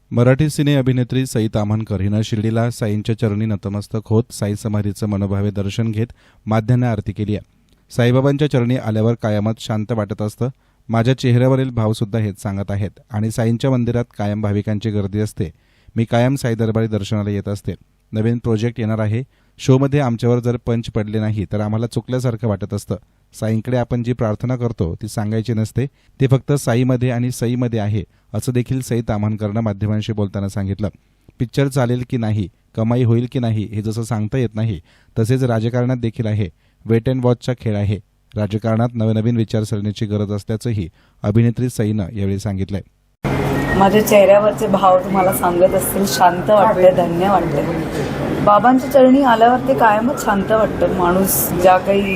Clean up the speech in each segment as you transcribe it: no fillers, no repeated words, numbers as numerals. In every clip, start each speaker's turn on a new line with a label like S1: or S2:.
S1: मराठी सिने अभिनेत्री सई ताम्हणकर हिनं शिर्डीला साईंच्या चरणी नतमस्तक होत साई समाधीचं मनोभावे दर्शन घेत माध्यान्ह आरती केली आहे। साईबाबांच्या चरणी आल्यावर कायमच शांत वाटत असतं। माझ्या चेहऱ्यावरील भावसुद्धा हेच सांगत आहेत आणि साईंच्या मंदिरात कायम भाविकांची गर्दी असते। मी कायम साई दरबारी दर्शनाला येत असते। नवीन प्रोजेक्ट येणार आहे। शोमध्ये आमच्यावर जर पंच पडले नाही तर आम्हाला चुकल्यासारखं वाटत असतं। साईंकडे आपण जी प्रार्थना करतो ती सांगायची नसते, ते फक्त साईमध्ये आणि सईमध्ये आहे, असं देखील सई ताम्हणकरनं माध्यमांशी बोलताना सांगितलं। पिक्चर चालेल की नाही, कमाई होईल की नाही हे जसं सांगता येत नाही, तसेच राजकारणात देखील आहे। वेट अँड वॉचचा खेळ आहे। राजकारणात नवनवीन विचारसरणीची गरज असल्याचंही अभिनेत्री सईनं यावेळी सांगितलंय।
S2: माझ्या चेहऱ्यावरचे भाव तुम्हाला सांगत असतील, शांत वाटते, धन्य वाटते। बाबांच्या चरणी आल्यावर ते कायमच शांत वाटतं। माणूस ज्या काही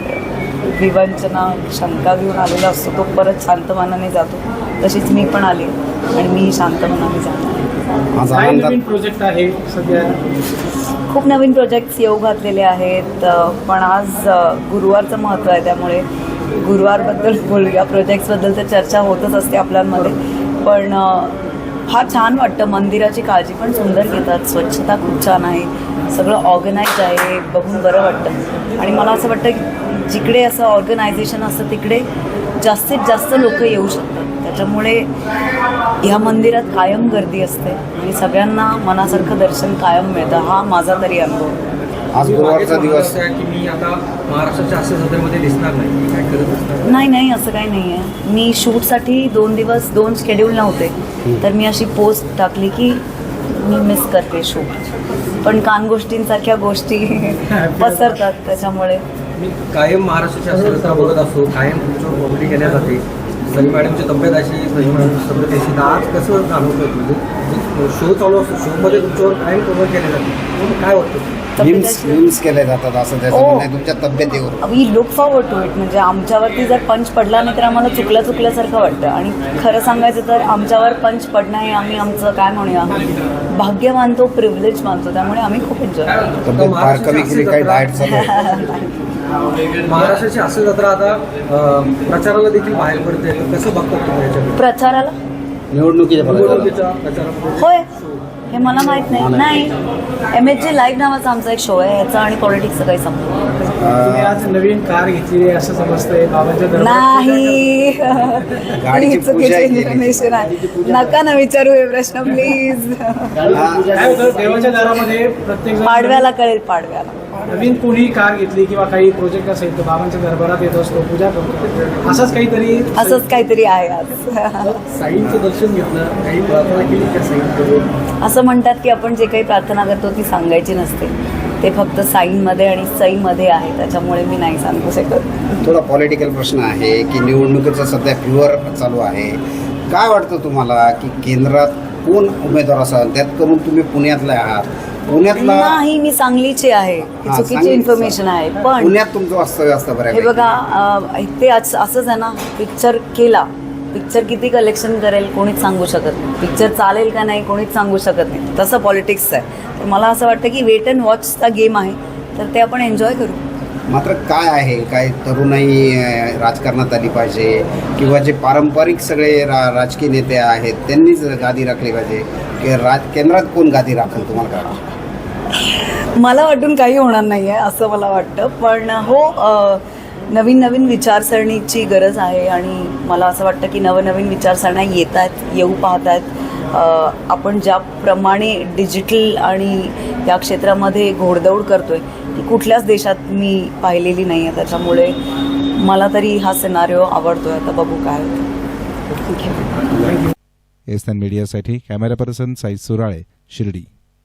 S2: विवंचना शंका घेऊन आलेला असतो तो परत शांत मनाने जातो। तशीच मी पण आले आणि मी शांत मनाने जातो।
S3: नवीन प्रोजेक्ट आहे सध्या,
S2: खूप नवीन प्रोजेक्ट्स येऊ घातलेले आहेत, पण आज गुरुवारचं महत्त्व आहे त्यामुळे गुरुवारबद्दल बोलूया। प्रोजेक्ट्सबद्दल तर चर्चा होतच असते आपल्यामध्ये, पण फार छान वाटतं। मंदिराची काळजी पण सुंदर घेतात, स्वच्छता खूप छान आहे, सगळं ऑर्गनाईज आहे, बघून बरं वाटतं। आणि मला असं वाटतं की जिकडे असं ऑर्गनायझेशन असतं तिकडे जास्तीत जास्त लोक येऊ शकतात। त्याच्यामुळे ह्या मंदिरात कायम गर्दी असते आणि सगळ्यांना मनासारखं दर्शन कायम मिळतं, हा माझा तरी अनुभव।
S4: आज गुरुवारचा दिवस
S3: की मी आता महाराष्ट्राच्या असे सदरमध्ये दिसणार नाही, काय करत असणार?
S2: नाही, असं काही नाही आहे। मी शूटसाठी 2 दिवस 2 शेड्यूल नव्हते, तर मी अशी पोस्ट टाकली की मी मिस करते शूट, पण कानगोष्टींसारख्या गोष्टी पसरतात त्याच्यामुळे
S3: मी कायम महाराष्ट्राच्या असे जत्रा बघत असतो, कायम तुमच्यावर कॉमेडी केल्या जाते। सई मॅडमची तब्येत अशी, सई मॅडमची तब्येत अशी, आज कसं जाणवतं म्हणजे शो चालू असतो, शोमध्ये तुमच्यावर कायम कॉमेडी केल्या जाते, काय वाटतं?
S4: मीम्स केले जातात असं त्याचं म्हणणं आहे तुमच्या तब्येतीवर।
S2: We look forward to it. म्हणजे आमच्यावरती जर पंच पडला नाही तर आम्हाला चुकल्यासारखं वाटतं। आणि खरं सांगायचं तर आमच्यावर पंच पडणं हे आम्ही आमचं काय म्हणूया भाग्य मानतो, प्रिव्हिलेज मानतो, त्यामुळे आम्ही खूप एन्जॉय करतो।
S4: तब्येत फार कमी केली, काही डाएट चालू आहे?
S3: महाराष्ट्राची असे जत्रा आता प्रचाराला देखील बाहेर पडते, तर कसं बघतात तुम्ही याच्याकडे?
S2: प्रचाराला
S4: निवडणुकीच्या
S3: प्रचाराला
S2: होय, हे मला माहित नाही। MHG लाईव्ह नावाचा आमचा एक शो आहे, ह्याचा आणि पॉलिटिक्सचं काही संबंध
S3: तुम्ही आज नवीन कार घेतली आहे असं समजतंय बाबांच्या
S2: नाही। ही चुकीची इन्फॉर्मेशन आहे, नका ना विचारू हे प्रश्न प्लीज।
S3: काय होतं देवाच्या दारामध्ये प्रत्येक
S2: पाडव्याला कळेल, पाडव्याला।
S3: नवीन कोणी कार घेतली किंवा काही प्रोजेक्ट असेल तर बाबांच्या दरबारात येत असतो, पूजा करतो, असंच काहीतरी आहे आज। साईंचं दर्शन घेतलं, काही प्रार्थना केली का साईंकडून?
S2: असं म्हणतात की आपण जे काही प्रार्थना करतो ती सांगायची नसते, ते फक्त साईंमध्ये आणि सईमध्ये आहे, त्याच्यामुळे मी नाही सांगू शकत।
S4: थोडा पॉलिटिकल प्रश्न आहे की निवडणुकीचा सध्या फ्युअर चालू आहे, काय वाटतं तुम्हाला की केंद्रात कोण उमेदवार असाल? त्यात करून तुम्ही पुण्यातले आहात, पुण्यातला
S2: नाही, मी सांगलीची आहे, चुकीची इन्फॉर्मेशन आहे। पण
S4: पुण्यात तुमचं वास्तव्य असतं बरं?
S2: हे बघा, ते असंच आहे ना, पिक्चर केला, पिक्चर किती कलेक्शन करेल कोणीच सांगू शकत नाही, पिक्चर चालेल का नाही कोणीच सांगू शकत नाही, तसं पॉलिटिक्स आहे। तर मला असं वाटतं की वेट अँड वॉचचा गेम आहे, तर ते आपण एन्जॉय करू।
S4: मात्र काय आहे, काय तरुणाई राजकारणात आली पाहिजे किंवा जे पारंपरिक सगळे राजकीय नेते आहेत त्यांनीच गादी राखली पाहिजे की केंद्रात कोण गादी राखेल? तुम्हाला काय वाटतं?
S2: मला वाटून काही होणार नाही आहे असं मला वाटतं, पण हो, नवीन विचारसरणीची गरज आहे आणि मला असं वाटतं की नवीन विचारसरण्या येऊ पाहत आहेत। आपण ज्याप्रमाणे डिजिटल आणि या क्षेत्रामध्ये घोडदौड करतोय ती कुठल्याच देशात मी पाहिलेली नाही आहे, त्याच्यामुळे मला तरी हा सिनारिओ आवडतोय। आता बघू काय होतं। थँक्यू।
S1: एसएन मीडियासाठी कॅमेरा पर्सन साई सुराळे, शिर्डी।